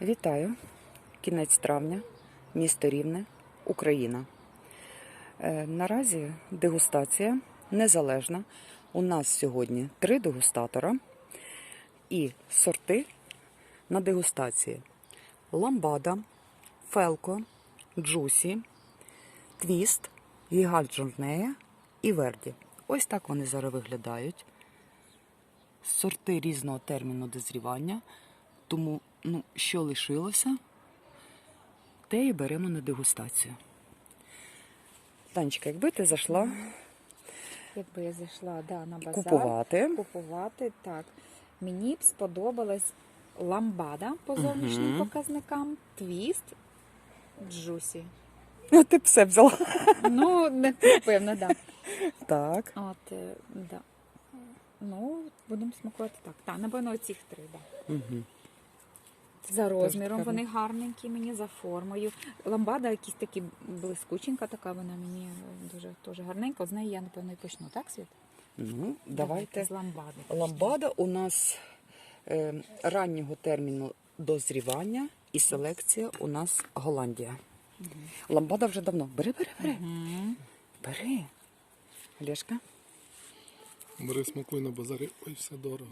Вітаю! Кінець травня, місто Рівне, Україна. Наразі дегустація незалежна. У нас сьогодні 3 дегустатора і сорти на дегустації. Ламбада, Фелко, Джусі, Твіст, Гігант Жорнея і Верді. Ось так вони зараз виглядають. Сорти різного терміну дозрівання. Тому, що лишилося, те і беремо на дегустацію. Танечка, якби ти зайшла Якби я зайшла на базар, купувати, так. Мені б сподобалась ламбада по зовнішнім показникам, твіст, джусі. Ну, ти б все взяла. Ну, не певно, так. Так. От, да. Ну, будемо смакувати так. Так, напевно, оцих 3, так. Угу. За розміром вони гарненькі мені, за формою. Ламбада якась такі блискученька така, вона мені дуже теж гарненька. З неї я, напевно, і почну. Так, Світ? Ну, давайте. З ламбади. Ламбада у нас раннього терміну дозрівання і селекція у нас Голландія. Угу. Ламбада вже давно. Бери. Угу. Бери. Олешка? Бери, смакуй на базарі. Ой, все дорого.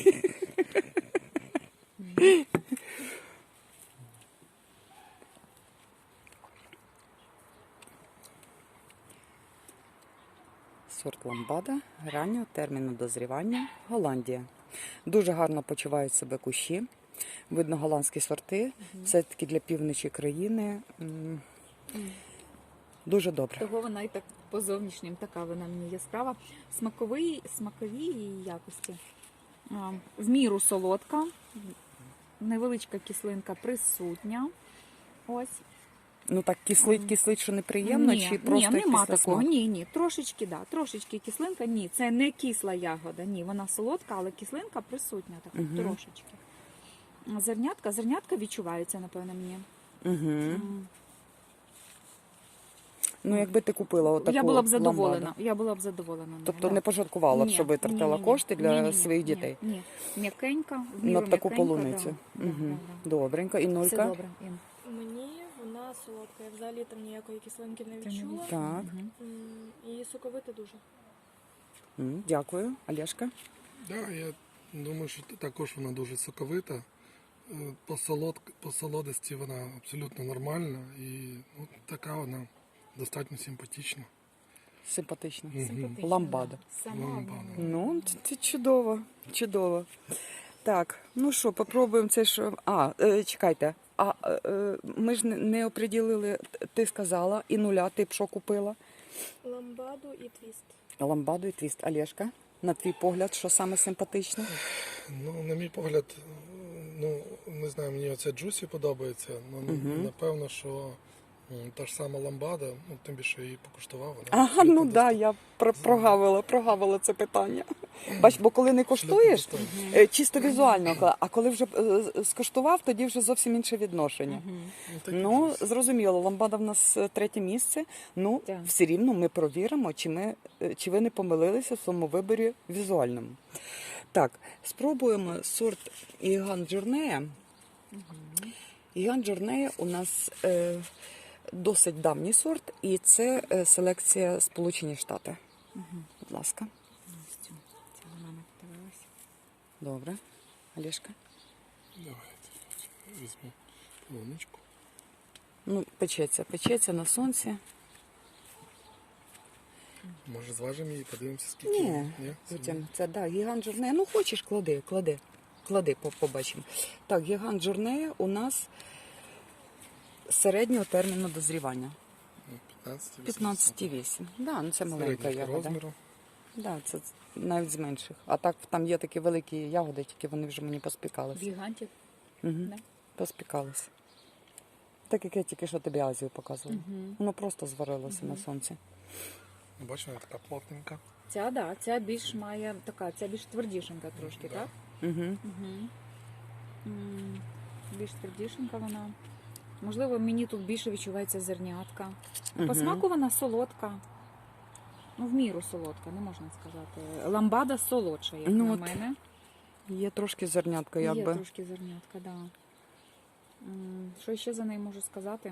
Сорт ламбада раннього терміну дозрівання Голландія. Дуже гарно почувають себе кущі. Видно голландські сорти. Все-таки для півночі країни. Дуже добре. Того вона і так по зовнішнім така вона мені яскрава. Смакові її якості. В міру солодка. Невеличка кислинка присутня. Ось. Ну так кислить, що неприємно, чи просто нема після такого. смаку? Ні, трошечки кислинка. Ні, це не кисла ягода. Ні, вона солодка, але кислинка присутня така, трошечки. Зернятка відчуваються, напевно, мені. Угу. Ну, якби ти купила отаку Я була б задоволена. ламбаду. Я була б задоволена. Тобто не пожалкувала б, що витратила кошти для своїх дітей? Ні. М'якенька, в На міру таку м'якенька, полуницю. да. Угу. Добренько. І Все Нулька? добре, Ін. Мені вона солодка, я взагалі там ніякої кислинки не відчула. Так. І соковита дуже. Дякую. Олешка? Так, я думаю, що також вона дуже соковита. По солодості вона абсолютно нормальна і така вона достатньо симпатична. Симпатично. Симпатична, Ламбада. Ламбада. Ну, це чудово. Чудово. Так, ну що, попробуємо це, що... чекайте. Ми ж не оприділили, ти сказала, і Нуля, ти б що купила? Ламбаду і твіст. Ламбаду і твіст. Олешка, на твій погляд, що саме симпатичне? Ну, на мій погляд, не знаю, мені оця Джусі подобається. Напевно, що та ж сама ламбада, тим більше її покуштував. Я прогавила це питання. Бач, бо коли не коштуєш, чисто візуально, а коли вже скоштував, тоді вже зовсім інше відношення. Ну, зрозуміло, ламбада в нас 3 місце, все рівно ми провіримо, чи ви не помилилися в своєму виборі візуальному. Так, спробуємо сорт Гігант Жорнея. Гігант Жорнея у нас досить давній сорт, і це селекція Сполучені Штати. Будь ласка. Добре. Олешка? Давайте візьму полуничку. Ну, печеться на сонці. Може зважимо її, подивимося, скільки? Ні, потім це, Гігант Жорнея. Ну, хочеш, клади, побачимо. Так, Гігант Жорнея у нас середнього терміну дозрівання. 15,8. Да, це маленька ягода. Да, це навіть з менших. А так там є такі великі ягоди, тільки вони вже мені поспікалися. Гігантів. Поспікалися. Так як я тільки що тобі Азію показувала. Воно просто зварилося на сонці. Бачиш, вона така плотненька. Ця більш має така, ця більш твердішенька трошки, так? Більш твердішенька вона. Можливо, мені тут більше відчувається зернятка. По смаку вона солодка. Ну, в міру солодка, не можна сказати. Ламбада солодша, як на мене. Є трошки зернятка, якби. Є трошки зернятка, так. Да. Що ще за неї можу сказати?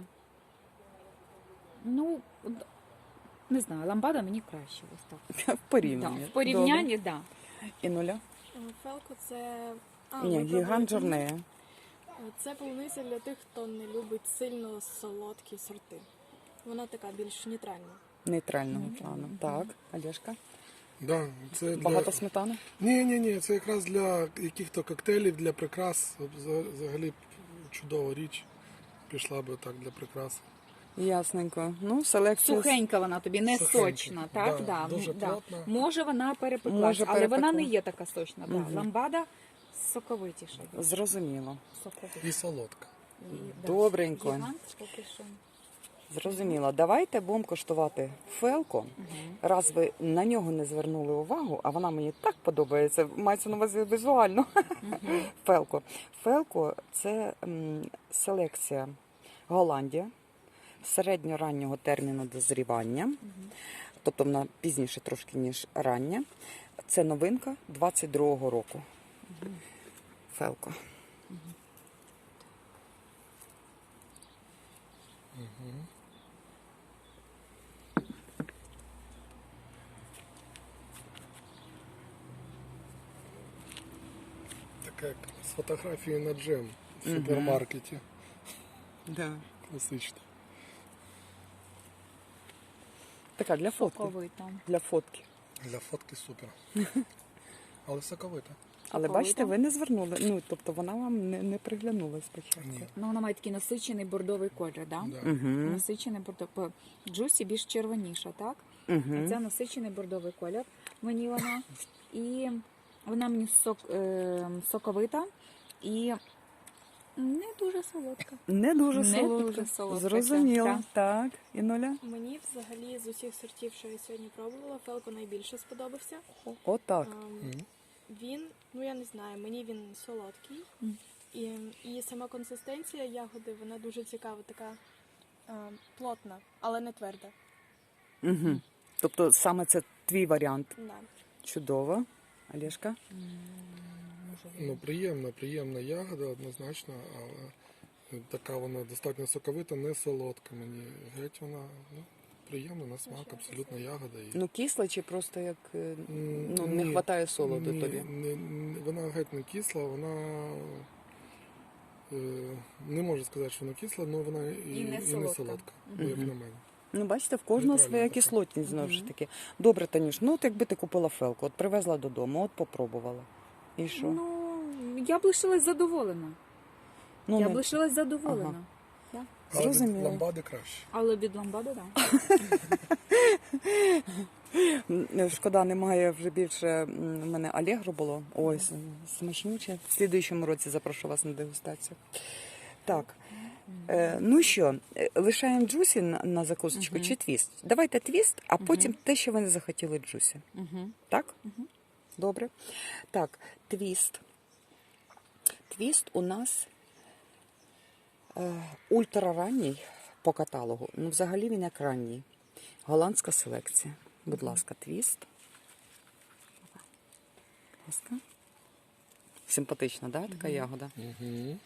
Ну, не знаю, ламбада мені краще. Ось так. В порівнянні. Да, в порівнянні, так. Да. І нуля? Фелко це. Ні, ми гігант пробували. жорнея. Це полуниця для тих, хто не любить сильно солодкі сорти. Вона така більш нейтральна. Нейтрального плану. Так, Олешка. Да, це Багато сметани? Ні, це якраз для яких-то коктейлів, для прикрас. Взагалі чудова річ. Пішла би так для прикраси. Ясненько. Ну, селекція. Сухенька вона тобі, не Сухенька, сочна, так? да, дуже плотна. Може вона перепеклась, Може, але вона не перепекла. є така сочна. Да. Мгм. Ламбада соковитіша. Зрозуміло. І солодка. Да. Добренько. Гігант поки що. Зрозуміло. Давайте будемо коштувати фелко. Раз ви на нього не звернули увагу, а вона мені так подобається, мається на увазі візуально. Фелко. Фелко – це селекція Голландія середньораннього терміну дозрівання, тобто вона пізніше трошки, ніж рання. Це новинка 22-го року. Фелко. Така як з фотографією на джем в супермаркеті. Да. Класично. Така для фотки. Соковита. Для фотки. Для фотки супер. Але соковита. Але Соковита. бачите, ви не звернули. Ну, тобто вона вам не приглянула спочатку. Ні. Ну, вона має такий насичений бордовий колір, да? Да. Угу. Насичений бордовий. Джусі більш червоніша, так? А Угу. це насичений бордовий колір. Мені вона. І вона мені соковита і не дуже солодка. Не дуже Не солодка. дуже солодка, Зрозуміло. так. Так, і нуля. Мені взагалі з усіх сортів, що я сьогодні пробувала, Фелко найбільше сподобався. Отак. Він, ну я не знаю, мені він солодкий. І сама консистенція ягоди, вона дуже цікава, така плотна, але не тверда. Угу. Тобто саме це твій варіант. Да. Чудово. Олешка? Ну, приємна ягода, однозначно, але така вона достатньо соковита, не солодка мені. Геть вона приємна на смак, абсолютно ягода. І... Ну, кисла чи просто як ну, Ні, не вистачає солоду ні, тобі? Вона геть не кисла, вона не можу сказати, що вона кисла, але вона і не не солодка. солодка, як на мене. Ну, бачите, в кожного Нейтральна своя така. кислотність, знову ж таки. Добре, Танюш, ну от якби ти купила фелку, от привезла додому, от попробувала. І що? Ну, я б лишилась задоволена. Ну, Я не- б лишилась задоволена. Да. Але Зрозуміло. від ламбади краще. Але від ламбади, так. Шкода, немає вже більше. У мене Алегро було. Ой, смачнюче. В слідуючому році запрошу вас на дегустацію. Так. Ну що, лишаємо джусі на закусочку чи твіст? Давайте твіст, а потім те, що ви не захотіли джусі. Угу. Так? Добре. Так, твіст. Твіст у нас ультраранній по каталогу. Ну, взагалі він як ранній. Голландська селекція. Будь ласка, твіст. Будь ласка. Симпатична, да, така ягода? Угу.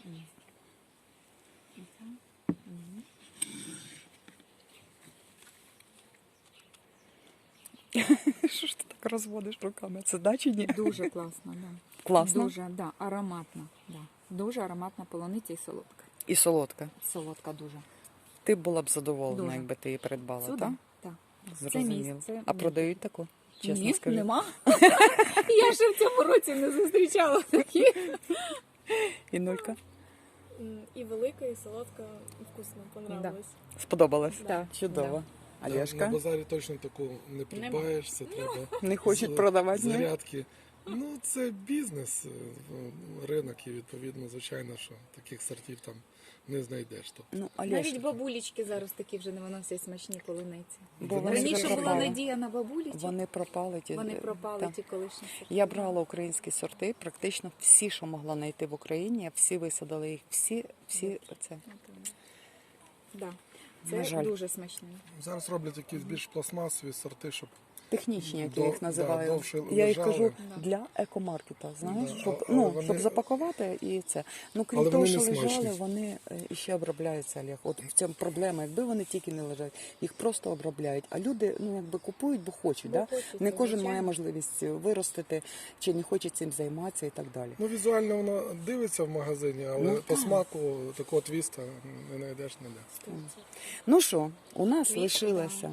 Що ж ти так розводиш руками? Це да чи ні? Дуже класно, да. Класно. Дуже, да, ароматна. Да. Дуже ароматна полуниця і солодка. І солодка. Солодка дуже. Ти була б задоволена, Дуже. якби ти її придбала, Сюди? так? Так. Зрозуміло. Це А продають таку? Чесно Ні, скажи. нема. Я ще в цьому році не зустрічала такі. І нулька? І велика, і солодка, і вкусно, понравилось. Сподобалось? Так. Чудово. На Олешка? базарі точно таку не придбаєш, це треба. Не хочуть з- продавати, ні? зарядки. Ну, це бізнес, ринок, і відповідно, звичайно, що таких сортів там не знайдеш. Тобто. Ну, Навіть Олешка. бабулечки зараз такі вже не виносять смачні полуниці. Бо Вони вони вже Раніше була пропали. надія на бабулечок. Вони пропали. Вони пропали, Так. ті колишні сорти. Я брала українські сорти, практично всі, що могла знайти в Україні, я всі висадила їх, всі це. Да. На Це жаль. дуже смачне. Зараз роблять якісь більш пластмасові сорти, щоб технічні, як я їх Да, називаю. довше Я їх лежали. кажу для екомаркета, знаєш, Да, щоб, але ну, вони- щоб запакувати і це. Ну, крім Але того, вони що не лежали, смачні. вони іще обробляються, Олег. От в цьому проблема. Якби вони тільки не лежать, їх просто обробляють. А люди, ну, якби купують, бо хочуть. Да? Не кожен має можливість виростити, чи не хоче цим займатися і так далі. Ну, візуально воно дивиться в магазині, але Ну, по так. смаку такого твіста не знайдеш ніде. Ну що, у нас Квіти, лишилося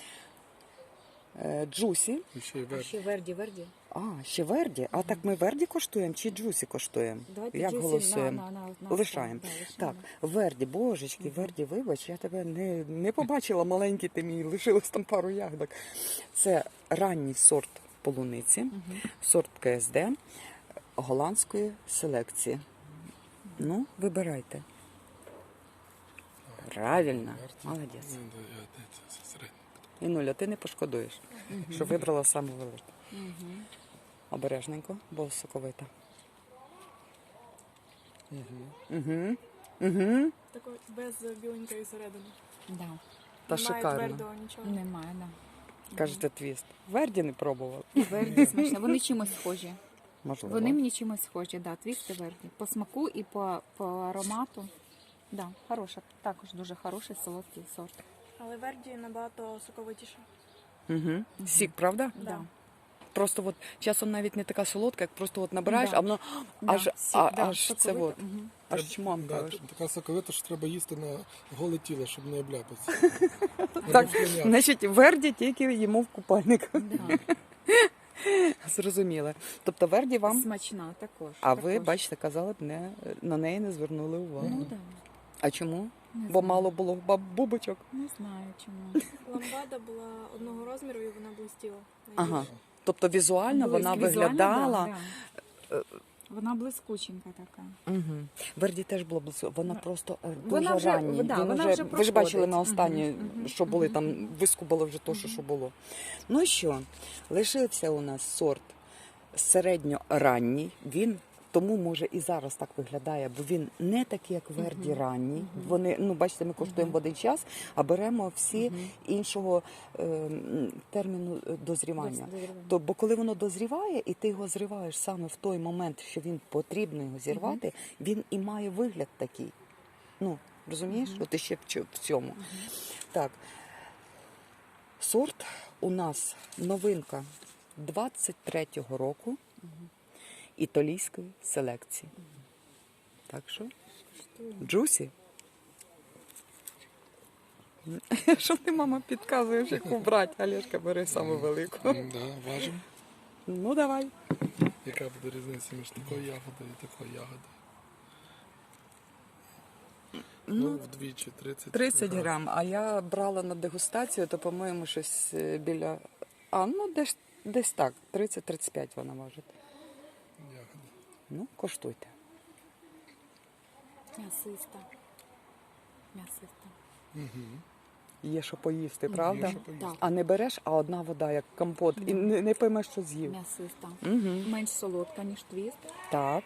джусі. І ще й А верх. ще Верді. А, ще Верді. А так ми Верді коштуємо чи джусі коштуємо? Давайте Як Джусі голосуємо? на Лишаємо. да, Так, Верді, божечки, Верді, вибач, я тебе не побачила, маленький ти мій, лишилось там пару ягодок. Це ранній сорт полуниці, сорт КСД голландської селекції. Ну, вибирайте. Правильно, молодець. Ну, да, це середньо. Інуля, ти не пошкодуєш, що вибрала саме велику. Обережненько, бо соковита. Угу. Такий без біленької середини. Да. Та Немає шикарно. твердого нічого. Немає, да. Кажете, твіст. Верді не пробував. Верді смачно. Вони чимось схожі. Можливо. Вони мені чимось схожі, да, твісти Верді. По смаку і по аромату. Да, хороша, також дуже хороший солодкий сорт. Але Верді набагато соковитіше. Угу. Сік, правда? Да. Просто от часом навіть не така солодка, як просто от набираєш, Да. а воно Да, аж, сік, да, аж це соковито. от, Мгм. аж чмам. Да, кажеш. така соковита, що треба їсти на голе тіло, щоб не обляпатися. Так, значить, Верді тільки їмо в купальник. Да. Зрозуміло. Тобто Верді вам, Смачна також. а ви, також. бачите, казали б, на неї не звернули увагу. Ну да. А чому? Не Бо знаю. мало було бубочок. Не знаю чому. Ламбада була одного розміру і вона блистіла. Ага. Тобто візуально вона Блиск- візуально, виглядала. да, да. Вона блискученька така. Угу. Верді теж було близько. Вона просто Вона дуже вже- ранній. да, Він вона уже, вже ви ж бачили проходить. на останні, Мгм, що були там, вискубали вже то, що було. Ну що, лишився у нас сорт середньоранній. Він тому може і зараз так виглядає, бо він не такий, як Верді ранній. Вони, ну бачите, ми коштуємо в один час, а беремо всі іншого терміну дозрівання. То, бо коли воно дозріває, і ти його зриваєш саме в той момент, що він потрібно його зірвати, він і має вигляд такий. Ну, розумієш? От іще в цьому. Так. Сорт у нас новинка 23-го року італійської селекції. Так що, джусі. Що ти, мама, підказуєш, яку брати? Олешка, бери саме велику. Да, важимо. Ну, давай. Яка буде різниця між такою ягодою і такою ягодою? Ну, вдвічі, 30 грам. А я брала на дегустацію, то, по-моєму, щось біля... А, ну, десь так. 30-35 вона важить. Ягоди. Ну, коштуйте. М'ясиста. М'ясиста. Є що поїсти, правда? Є що поїсти. Так. А не береш, а одна вода, як компот, і не поймеш, що з'їв. М'ясиста. Угу. Менш солодка, ніж твіст. Так.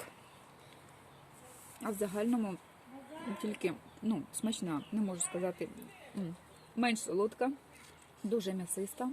А в загальному тільки, ну, смачна, не можу сказати. Менш солодка, дуже м'ясиста.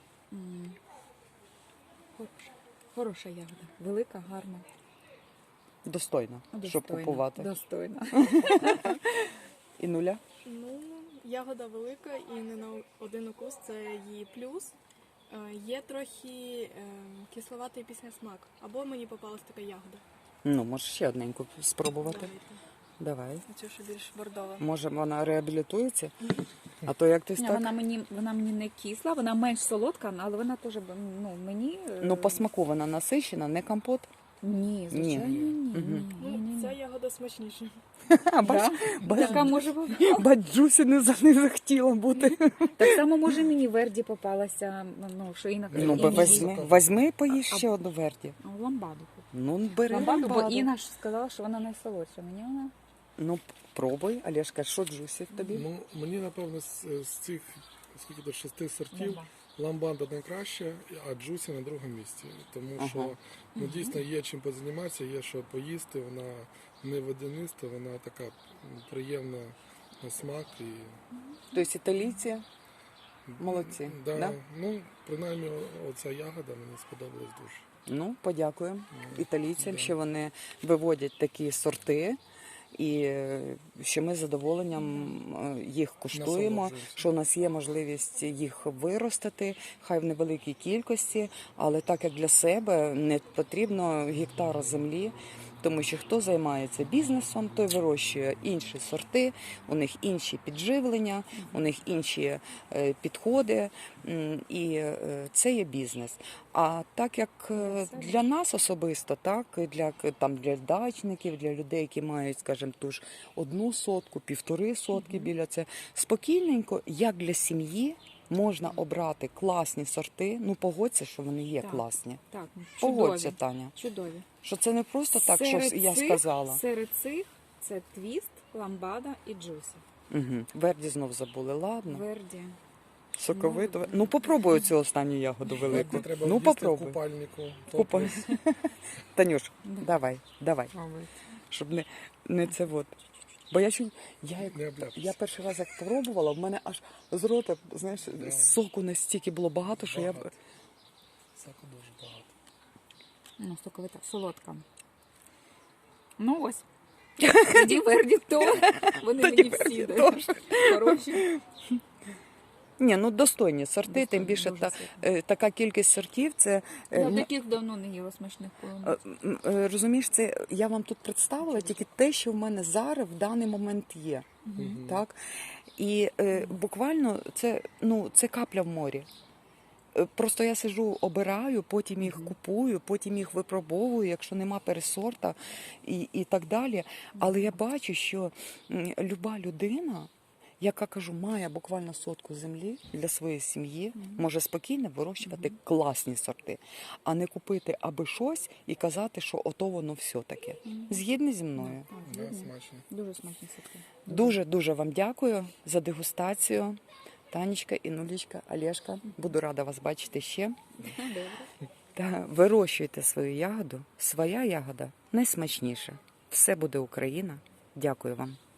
Хороша. Хороша ягода. Велика, гарна. Достойно, щоб Достойна. купувати. Достойна. І нуля? Ну, ягода велика і не на один укус, це її плюс. Є трохи кисловатий післясмак. Або мені попалась така ягода. Ну, може ще одненьку спробувати. Давайте. Давай. Цю, що більш бордова. Може, вона реабілітується? А то як ти Ні, так? вона мені не кисла, вона менш солодка, але вона теж, ну, мені... Ну, по смаку вона насищена, не компот. Ні, звичайно, ні. Мгм. Ну, ця ягода смачніша. Бач, Така може бути. Джусі не захотіла бути. Так само може мені Верді попалася, ну, що Інна Ну, Інна возьми, поїж ще одну Верді. ламбаду. Ну, бери Ламбаду, бо ламбаду. Інна ж сказала, що вона найсолодша. Мені вона... Ну, пробуй, Олешка, що Джусі тобі? Ну, мені, напевно, з цих, скільки до 6 сортів, ламбанда найкраща, а джусі на другому місці. Тому що ну, дійсно є чим позайматися, є що поїсти, вона не водяниста, вона така приємна на смак. І... Тобто італійці Молодці. Да, Да? Ну, принаймні, оця ягода мені сподобалась дуже. Ну, подякуємо італійцям, Да. що вони виводять такі сорти, і що ми з задоволенням їх куштуємо, Насолоджуємося. що у нас є можливість їх виростити, хай в невеликій кількості, але так як для себе не потрібно гектара землі. Тому що хто займається бізнесом, той вирощує інші сорти, у них інші підживлення, у них інші підходи, і це є бізнес. А так як для нас особисто, так і для дачників, для людей, які мають, скажімо, ту ж 1 сотку, 1,5 сотки біля це, спокійненько, як для сім'ї, можна обрати класні сорти. Ну, погодься, що вони є Так. класні. Так, Погодься, чудові. Таня. Чудові. Що це не просто так, що я сказала. Серед цих це твіст, ламбада і джусі. Угу. Верді знов забули. Ладно. Верді. Соковито. Ну, попробую цю останню ягоду велику. Не треба Ну, їсти в попробуй. купальнику. Купа. Танюш, Да. давай. Щоб не це от. Бо я Не обляпайся. я перший раз як пробувала, в мене аж з рота, знаєш, Да. соку настільки було багато, що я... Багато. Соку дуже багато. Ну, соковита, солодка. Ну ось. Тоді Верді то. Вони Тоді мені Верді всі теж. хороші. Ні, ну достойні сорти, тим Достойні, більше дуже така кількість сортів, це... Я ну, таких давно не їла смачних полуниць. Розумієш, це я вам тут представила тільки те, що в мене зараз в даний момент є. Так? І буквально це капля в морі. Просто я сижу, обираю, потім їх купую, потім їх випробовую, якщо нема пересорта і так далі. Але я бачу, що люба людина, яка, кажу, має буквально сотку землі для своєї сім'ї, може спокійно вирощувати класні сорти, а не купити аби щось і казати, що ото воно все таке. Згідні зі мною? Да, смачно. Дуже смачні соки. Дуже-дуже вам дякую за дегустацію. Танечка, Інулічка, Олешка, буду рада вас бачити ще. Добре. Та вирощуйте свою ягоду. Своя ягода найсмачніша. Все буде Україна. Дякую вам.